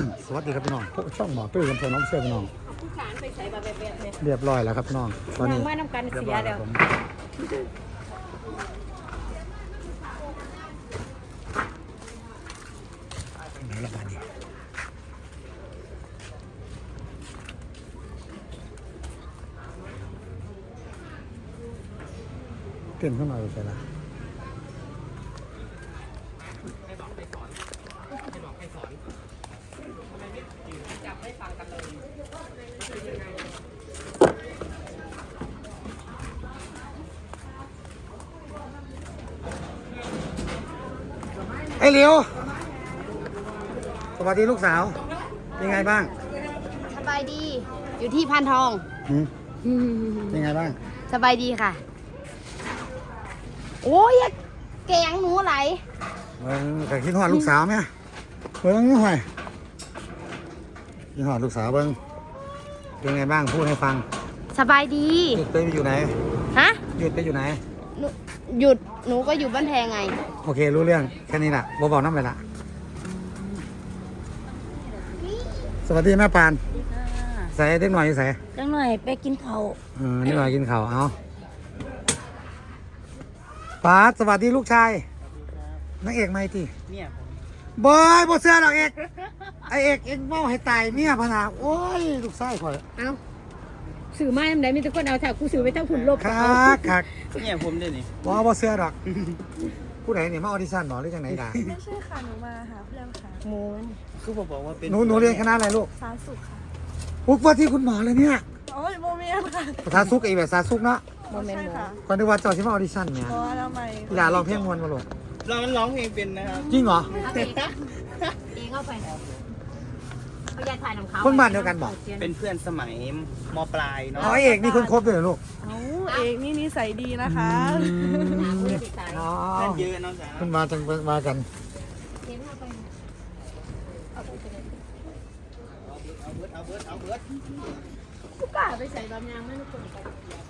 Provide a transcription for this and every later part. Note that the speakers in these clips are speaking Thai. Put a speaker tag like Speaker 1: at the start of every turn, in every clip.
Speaker 1: สวัสดีครับพี่น้องพวกช่องหมอตุ้ยกับเพื่อนน้องเชื่อพี่น้อง
Speaker 2: ผู้ขานไปใส่แบบเนี่ย
Speaker 1: เรียบร้อยแล้วครับพี่น้องตอนนี้
Speaker 2: ว่าน้ำกันเสียเดี๋ยว
Speaker 1: ไหนละบ้านนี้เต้นขึ้นมาเลยใช่ไหมไอ้เหลียวสวัสดีลูกสาวเป็นไงบ้าง
Speaker 2: สบายดีอยู่ที่พานทอง
Speaker 1: เป็นไงบ้าง
Speaker 2: สบายดีค่ะโอ้ยแกงหนูไหล
Speaker 1: แต่คิดหอดลูกสาวไหมเบิ้งหน่อยคิดหอดลูกสาวเบิ้งเป็นไงบ้างพูดให้ฟัง
Speaker 2: สบายดี
Speaker 1: หยุดไปอยู่ไหน
Speaker 2: ฮะ
Speaker 1: หยุดไปอยู่ไหน
Speaker 2: หยุดหนูก็อยู่บ้านแพงไง
Speaker 1: โอเครู้เรื่องแค่นี้แหละบอกน้ำไปละสวัสดีแม่ปานใส่เด็กหน่อยใส่
Speaker 2: เด็กหน่อยไปกินข้าว
Speaker 1: นี่หน่อยกินข้าวเอาป้าสวัสดีลูกชายนักเอกไม่ทีเนี่ยบอยบอเสื้อหรอกเอกไอเอกเองเมาให้ตายเนี่ยพนาโอ้ยลูกชายข่อย
Speaker 2: เอาสื่อไม้ทำไมมีแต่คนเอาแถวกูสื่อไปทั้งผุนลบ
Speaker 1: คัก
Speaker 3: เนี่ยผมด้วยนี่
Speaker 1: บอเสื้อหรอกผู้ใดเนี่ยมาออดิชั่นหรอหรือจังไหนด่า
Speaker 4: ไม่ใช่ค่ะหนูมาหาเพื่อนค่ะ
Speaker 2: โมน
Speaker 3: คือผมบอกว่าเป็น
Speaker 1: หนูเรียนคณะอะไรลูก
Speaker 4: สาสุขค่ะ
Speaker 1: ปุ๊บว่าที่คุณหมอเลยเนี่ย
Speaker 4: โอ้ยโมเมนต์ค่ะ
Speaker 1: สาสุกไอแบบสาสุกเนาะ
Speaker 4: โมเมนต์ค่ะ
Speaker 1: ก่อนที่ว่าเจ้าชิมาออดิชั่นเนี่ย
Speaker 4: แล้วไม่
Speaker 1: อย่าลองเพลงมวนมาหลด
Speaker 3: เรามันร้องเพลงเป็นนะครับ
Speaker 1: จริงเหรอ
Speaker 2: เองเข้าไปเขาอยากถ่ายของเขา
Speaker 1: คนบ้านเดียวกันบอก
Speaker 3: เป็นเพื่อนสมัยม.ปลายเนาะ
Speaker 1: ไอเอกนี่คุณครบเลยเหรอลูก
Speaker 4: เอกนี่นิสัยดีนะคะ
Speaker 1: อ๋อ
Speaker 3: เยอะน้องจ๋า
Speaker 1: คุณมาจังมากัน
Speaker 3: เอาเบิร์ด
Speaker 2: กูกล้าไปใส่บางอย่างไม่รู้คนไป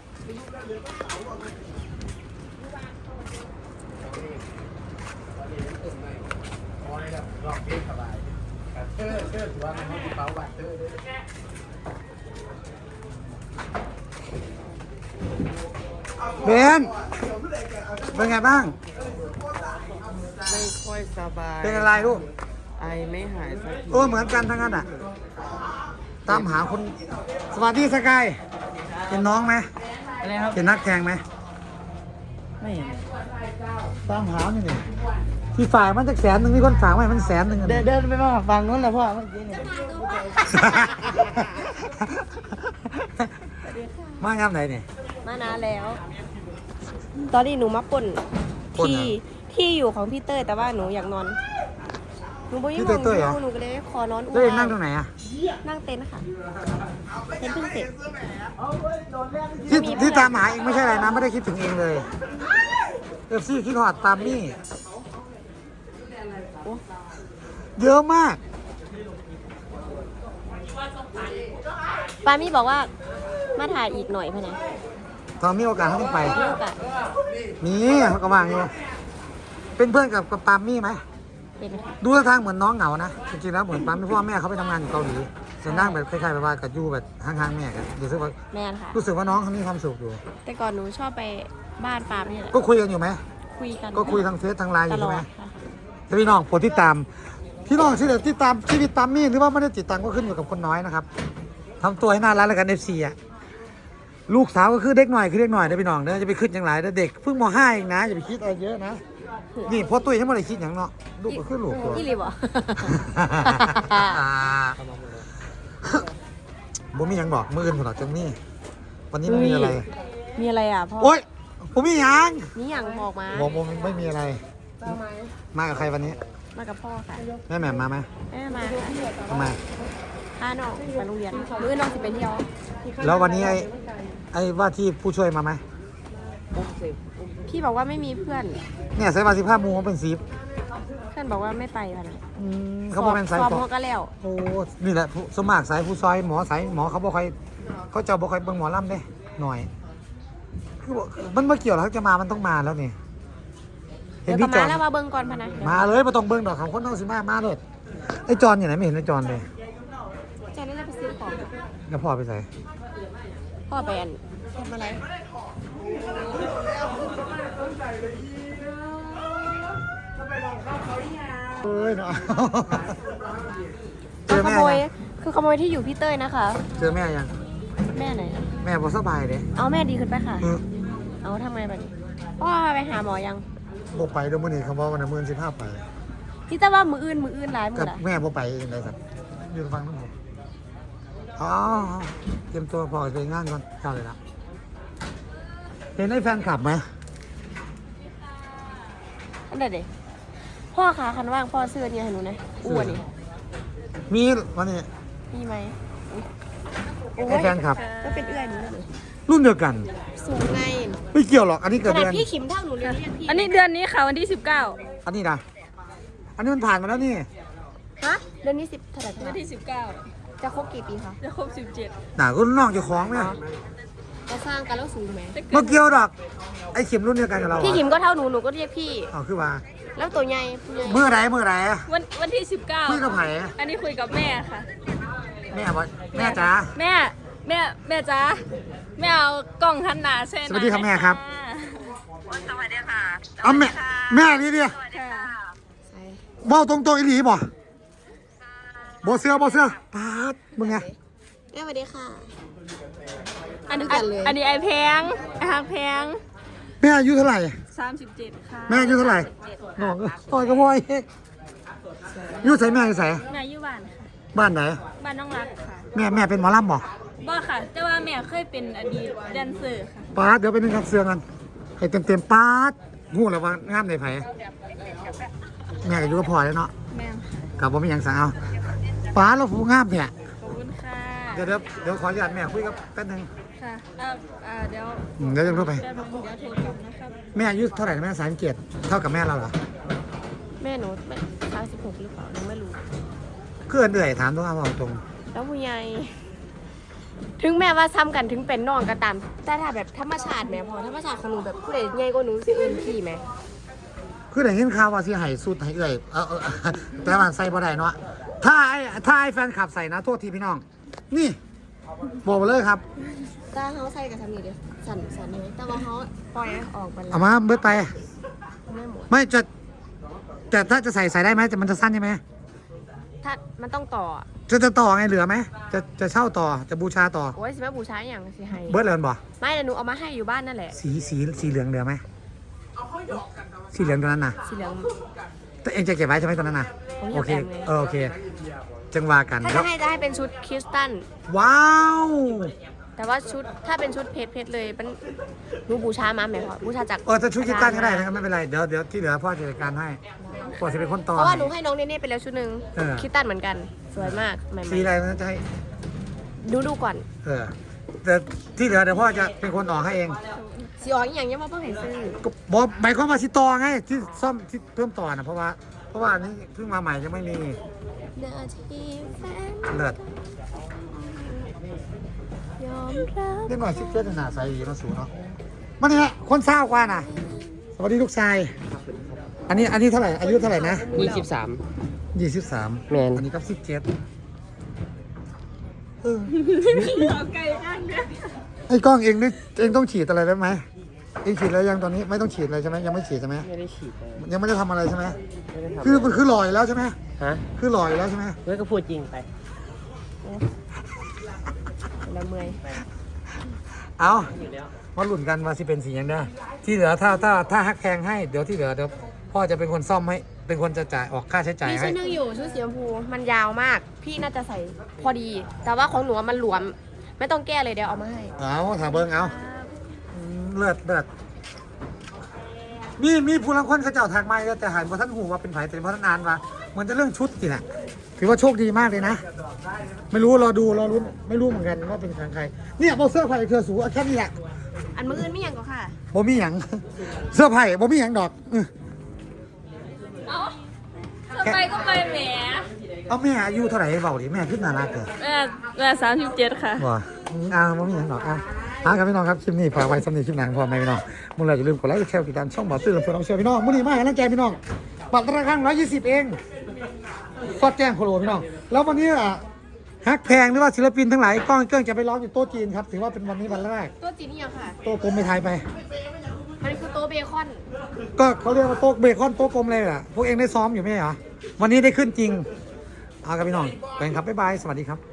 Speaker 1: เบนเป็นไงบ้าง
Speaker 3: ไม่ค่อยสบาย
Speaker 1: เป็นอะไรลูก
Speaker 3: ไอไม่หายสักที
Speaker 1: เหมือนกันทั้งนั้นอ่ะตามหาคนสวัสดีสกายเป็นน้องไหม
Speaker 3: อะไรครับ
Speaker 1: เป็นนักแข่งไหม
Speaker 3: ไม่เห็น
Speaker 1: ตามหานี่ที่ฝ่ายมันจะ100,000มีคนฝากไว้มัน100,000
Speaker 3: เดินไปมาฟังนู้นแหละพ่อเมื่อกี้เนี่ย
Speaker 1: มายามไหนเนี่ย
Speaker 2: มานานแล้วตอนนี้หนูมาป่นที่อยู่ของพี่เต้ยแต่ว่าหนูอยากนอนหนูบ่ยิ่งมองหนูก็เลยขอนอน
Speaker 1: เต้ยนั่งตรงไหนอะ
Speaker 2: นั่งเต็นท์ค่ะเต็นท์เพิ่งเสร็จ
Speaker 1: ที่ตามหาเองไม่ใช่อะไรนะไม่ได้คิดถึงเองเลยซี่คิดหอดตามนี่เยอะมาก
Speaker 2: ปามี่บอกว่ามาถ่ายอีกหน่อยพะนะ
Speaker 1: ตอนมีโอกาสเขาต้องไป
Speaker 2: มีโอกาส
Speaker 1: มีเขาก็ว่างอยู่เป็นเพื่อนกับปามี่ไหมดูท่าทางเหมือนน้องเหงานะจริงๆแล้วเหมือนปามี่พ่อแม่เขาไปทำงานอยู่เกาหลีจะนั่งแบบคล้ายๆแบบว่ากับยูแบบห่างๆแม่กันรู้สึกว่า
Speaker 2: แม่ค่ะ
Speaker 1: รู้สึกว่าน้องเขามีความสุขอยู่
Speaker 2: แต่ก่อนหนูชอบไปบ้านปามี่แหละ
Speaker 1: ก็คุยกันอยู่ไหม
Speaker 2: คุยกัน
Speaker 1: ก็คุยทางเฟซทางไลน์อยู่ใช่ไหมพี่น้องโปรดติดตามพี่น้องที่เด็ดติดตามชีวิตปามี่หรือว่าไม่ได้ติดตามก็ขึ้นอยู่กับคนน้อยนะครับทำตัวให้น่ารักแล้วกันFCอ่ะลูกสาวก็คือเด็กหน่อยคือเด็กหน่อยนะพี่น้องเด้อจะไปขึ้นอย่างไรเด็กเพิ่งม.5เองนะอย่าไปคิดอะไรเยอะนะนี่พอตุ้ยทั้งหมดเลยคิดอย่างเนาะลูกก็ขึ้นลูกตัว
Speaker 2: อีหลีบ่
Speaker 1: บ่มีอย่างบอกมืออื่นผมหรอกจังนี่วันนี้ไม่มีอะไร
Speaker 2: มีอะไรอ่ะพ่อ
Speaker 1: โอ๊ยผมมีอย่าง
Speaker 2: นี่อย่างบอกมา
Speaker 1: บอกผมไม่มีอะไรมากับใครวันนี้
Speaker 2: มากับพ่อค่ะ
Speaker 1: แม่แหม่มมาไหม
Speaker 2: แม่มา
Speaker 1: ทำไม
Speaker 2: น้องไปโรงเรียนมื้อน้องสิไปเที่ยว
Speaker 1: แล้ววันนี้ไอ้ว่าที่ผู้ช่วยมาไหม
Speaker 2: พี่บอกว่าไม่มีเพื่อน
Speaker 1: เนี่ยใส่15 โมงเป็น10
Speaker 2: เพื่อนบอกว่าไม่ไปแล้วนะ
Speaker 1: เขาบอกเป็นสาย
Speaker 2: พอก็แล้ว
Speaker 1: โอ้นี่แหละสมัครสายผู้ซอยหมอสายหมอเขาบอกใครเขาจะบอกใครเบิ่งหมอลำได้หน่อยคือมันเมื่อเกี่ยวแล้วจะมามันต้องมาแล้วนี่
Speaker 2: เห็นพี่จอดแล้วมาเบิ่งก่อนพะนะ
Speaker 1: มาเลยมาต้องเบิ่งดอกของคนต้องสิมาเลยไอ้จอนอยู่ไหนไม่เห็นไอ้จอนเลย
Speaker 2: ใจนั่นแหละไปซื้อของ
Speaker 1: แล้วพ่อไปใส่
Speaker 2: พ่อไปอันทำอะไร
Speaker 1: เอ้ยเนาะเจ
Speaker 2: คือ
Speaker 1: อ
Speaker 2: ข
Speaker 1: แม่
Speaker 2: โมย
Speaker 1: ยัง
Speaker 2: คือขโมยที่อยู่พี่เต้ยนะคะ
Speaker 1: เจอแม่ยัง
Speaker 2: แม่ไหน
Speaker 1: แม่บ่สบายเด้
Speaker 2: เอาแม่ดีขึ้นไปค่ะ
Speaker 1: เออ
Speaker 2: เอาทำไงแบบนี้พ่อไปหาหมอยัง
Speaker 1: บ่ไปเดี๋ยวมื้อนี้เขาบอกว่ามื้อนี้15ไป
Speaker 2: พี่แต่ว่ามืออื่นหลายมื
Speaker 1: กั
Speaker 2: อบ ละ
Speaker 1: แม่บ่ไปเองได้สัตว์อยู่ฟังนั่นผมอ๋อเตรียมตัวพอไปงานก่อนเข้าเลยละเห็นไอ้แฟนคลับไหม
Speaker 2: อันเด็ดดิพ่อขาคันว่างพ่อเสื้อเนี่ยให้หนูนะอ้วนนี่
Speaker 1: มีวันนี้
Speaker 2: มีไหมอุ๊ยโอ้
Speaker 1: ไอ้
Speaker 2: ย
Speaker 1: แฟนคลับ
Speaker 2: ก็เป็นเอื้อยหนูนั่นเลย
Speaker 1: รุ่นเดียวกัน
Speaker 2: สูงไง
Speaker 1: ไม่เกี่ยวหรอก อันนี้
Speaker 2: ข
Speaker 1: เกิด
Speaker 2: นา
Speaker 1: เดื
Speaker 2: ด
Speaker 1: อน
Speaker 2: พี่ขิมเท่าหนูเลยเรียกพี่
Speaker 4: อันนี้เดือนนี้ค่ะวันที่ 19
Speaker 1: อันนี้นะอันนี้มันผ่านมาแล้วนี่
Speaker 2: ฮะเดือนนี้10เท่าไหร่
Speaker 4: วัน
Speaker 2: คะ
Speaker 4: ที่
Speaker 2: จะครบกี่ปีคะ
Speaker 4: 19 จะครบ 17
Speaker 1: หนารุ่นน้องเจ้าของไหม
Speaker 2: จะสร้างกันแล้วสูงไหม
Speaker 4: จะเกิ
Speaker 1: เมื่อ
Speaker 4: ด
Speaker 1: เกี่ยวดอก ไอ้เข็มรุ่นเดียวกันกับเรา
Speaker 2: พี่ขิมก็เท่าหนูหนูก็เรียกพี่
Speaker 1: อ๋อคือว่า
Speaker 2: แล้วตัวใหญ่ผู้ใหญ่
Speaker 1: เมื่อไร
Speaker 4: วันที่
Speaker 1: คุยกับ
Speaker 4: 19
Speaker 1: ไผ่
Speaker 4: อันนี้คุยกับแม่ค่ะ
Speaker 1: แม่บอกแม่จ๋า
Speaker 4: แม่จ๋าแม่เอากล่องหันหนาใช่ไหม
Speaker 1: สวัสดีครับแม่ครับ
Speaker 3: สวัสดีค่ะ
Speaker 1: เอาแม่นี่ดิ
Speaker 4: ค่ะ
Speaker 2: ใช่
Speaker 1: เบ้าตรงๆอีหลีบ่บ่เสื้อปาดมึงไง
Speaker 2: แม่สวัสดีค่ะ
Speaker 4: อันนี้
Speaker 2: ด้วยกันเลย
Speaker 4: อันนี้ไอแพงไอหางแพง
Speaker 1: แม่อายุเท่าไหร่
Speaker 4: 37 ค่ะ
Speaker 1: แม่อายุเท่าไหร่น้องก็ต่อยกับพ่อยอยู่ใส่แม่อยู่ใส่
Speaker 4: แม่อยู่บ้านค่ะ
Speaker 1: บ้านไหน
Speaker 4: บ้านน้องรักค่ะ
Speaker 1: แม่เป็นหมอลำบ่
Speaker 4: บ่ค่ะ แต่ว่าแม่เคยเป็นอดีตแดนเซอร์ค่ะ
Speaker 1: ปาดเดี๋ยวไปนึงครับเสื้อกันให้เต็มปาดงูแล้วว่างามในไผแม่ก็อยู่กับพ่อแล้วเนาะ
Speaker 4: แม่ค่ะ
Speaker 1: กับผมมีหยังสั่งเอาปาดแล้วผู้งามเนี่ย
Speaker 4: ขอบคุณค่ะ
Speaker 1: เดี๋ยวขออนุญาตแม่คุยกับแป๊บนึง
Speaker 4: ค่ะเดี๋ยว
Speaker 1: เดี๋ยวจะรู้ไป
Speaker 4: เดี๋ยวโทรกลับนะครับ
Speaker 1: แม่อายุเท่าไหร่นะแม่37เท่ากับแม่เราเหรอ
Speaker 2: แม่หนู36หรือเปล่าหนูไม่รู้
Speaker 1: เพื่อนเอื่อยถามตรงเอาตรง
Speaker 2: แล้วผู้ใหญ่ถึงแม้ว่าซ้ำกันถึงเป็นน้องก็ตามแต่ถ้าแบบธรรมชาติแม่พอธรรมชาติของหนูแบบผู้ใดใหญ่กว่าหนูสิเอิ้นพี่แม่
Speaker 1: คือได้ยินข่าวว่าสิให้สุดให้เอื่อยแต่ว่าใส่บ่ได้เนาะถ้าไอ้แฟนขับใส่นะโทษทีพี่น้อง นี่บอกเลยครับ
Speaker 2: ถ้าเขาใส่กับสามีเด้สั่นเลยแต่ว่าเขาปล่อยออกไปแล้ว
Speaker 1: เอามาเบิดไป
Speaker 2: ไม่หมด
Speaker 1: ไม่จะแต่ถ้าจะใส่ได้ไหมแต่มันจะสั้นใช่ไหม
Speaker 2: ถ้ามันต้องต่อ
Speaker 1: จะต่อไงเหลือไหมจะเช่าต่อจะบูชาต่อ
Speaker 2: โอ้ยสิแม่บูชาอหย่างสิให้
Speaker 1: เบิดเลยบ่
Speaker 2: ไม่แต่หนูเอามาให้อยู่บ้านนั่นแหละ
Speaker 1: สีเหลืองเหลือไหมสีเหลืองตัวนั้นน่ะ
Speaker 2: สีเหลือง
Speaker 1: แต่เองจะเก็บไว้ใช่ไหมตัวนั้นน่ะ
Speaker 2: ผมอยาก
Speaker 1: โอเค
Speaker 2: แบ่งเลย
Speaker 1: โอเคจังว่ากัน
Speaker 2: ถ้า
Speaker 1: ครั
Speaker 2: จะ
Speaker 1: บ
Speaker 2: ให้เป็นชุดคริสตัน
Speaker 1: ว้าว
Speaker 2: แต่ว่าชุดถ้าเป็นชุดเพชรเลยเป็นหนูบูชามาแม่พอบูชาจาก
Speaker 1: ถ้าชุดกีตาร์ก็ได้นะครับไม่เป็นไรเดี๋ยวที่เหลือพ่อจัดการให้พ่อจะเป็นคนต่อ
Speaker 2: เพราะว่าหนูให้น้องเนเน่ไปแล้วชุดหนึ่ง
Speaker 1: เออ
Speaker 2: คริสตันเหมือนกันสวยมากใหม่
Speaker 1: สีอะไรมันจะให้
Speaker 2: ๆดูก่อน
Speaker 1: แต่ที่เหลือเดี๋ยวพ่อจะเป็นคนออกให้เอง
Speaker 2: สีอ๋ออย่างเงี้ยว่าเพิ่งเห็นซื้อ
Speaker 1: ก็บอกหมายความว่าสิต่อไงที่ซ่อมที่เพิ่มต่อนะเพราะว่าอันนี้เพิ่งมาใหม่ยังไม่มี
Speaker 2: เดินที่แฟน
Speaker 1: เลิศ
Speaker 2: ยอมรับ
Speaker 1: เรียกหน่อยซิเกิลหนาใสดีมาสูเนาะมันนี่ฮะคนเศร้ากว่าน่ะสวัสดีลูกชายอันนี้เท่าไหร่อายุเท่าไหร่นะ
Speaker 3: 23
Speaker 1: 23
Speaker 3: แมน
Speaker 1: อันนี้ก็17ไอ้กล้องเองนี่เองต้องฉีดอะไรได้ไหมเองฉีดแล้วยังตอนนี้ไม่ต้องฉีดอะไรใช่ไหมยังไม่ฉีดใช่ไหม
Speaker 3: ไม่ได้ฉีดเลย
Speaker 1: ยังไม่ได้ทำอะไรใช่ไหม
Speaker 3: ไม่ได้ทำ
Speaker 1: คือมันคือลอยแล้วใช่ไหม
Speaker 3: ฮะ
Speaker 1: คือลอยแล้วใช่ไหม
Speaker 3: เฮ้ยก็พูดจริงไป
Speaker 2: แล้วเมื่อย
Speaker 1: เอามาหลุ่นกันว่าสิเป็นสีอย่างเด้อที่เหลือถ้าฮักแพงให้เดี๋ยวที่เหลือเดี๋ยวพ่อจะเป็นคนซ่อมให้เป็นคนจะจ่ายออกค่าใช้จ่าย
Speaker 2: มี
Speaker 1: ให้
Speaker 2: ชุดหนึงอยู่ชุดสีชมพูมันยาวมาก พี่น่าจะใส่พอดี แต่ว่าของหนูมันหลวม ไม่ต้องแก้เลยเดี๋ยวเอามาให้
Speaker 1: เอาถามเบิ้งเอาเลิศมีผู้ลังคนเขาเจ้าทางไม้แต่หันว่าท่านหูว่าเป็นไผ่แต่เพราะท่านอ่านว่าเหมือนจะเรื่องชุดสิน่ะถือว่าโชคดีมากเลยนะ ไม่รู้รอรุ้นไม่รู้เหมือนกันว่าเป็นใครเนี่ยโบเสื้อไผ่เธอสูแค่นี้แหละ
Speaker 2: อันมืออื่นไม่ยังก็ค่ะ
Speaker 1: โบมีหยังเสื้อไผ่โบมีหยังดอก
Speaker 4: เอาจะไปก็ไปแหม
Speaker 1: เอาแม่อายุเท่าไหร่เบาดิแม่ขึ้นน่ารักเกิน
Speaker 4: แม่37 ค่ะ
Speaker 1: ว่าโบมีหยังดอกครับพี่น้องครับคลิปนี้ฝากไว้สำหรับคลิปหนังพอไหมพี่น้องมึงเลยอย่าลืมกดไลค์กดแชร์ติดตามช่องบอสตื้อลำพูนน้องเชียร์พี่น้องมื้อนี้มาให้กำลังใจพี่น้องบัตรราคา120เองฟอดแจ้งโคโลพี่น้องแล้ววันนี้ฮักแพงหรือว่าศิลปินทั้งหลายกล้องเกิ้งจะไปร้องอยู่โต๊ะจีนครับถือว่าเป็นวันนี้วันแรก
Speaker 2: ตัวจีนี่ยังค่ะ
Speaker 1: โต๊ะกลมไปไทยไป
Speaker 2: อันนี้คือโต๊ะเบคอน
Speaker 1: ก็เขาเรียกว่าโต๊ะเบคอนโต๊ะกลมเลยอ่ะพวกเองได้ซ้อมอยู่ไหมเหรอวันนี้ได้ขึ้นจริงเอากันพี่น้องไปครับบ๊ายบายสวัสดีครับ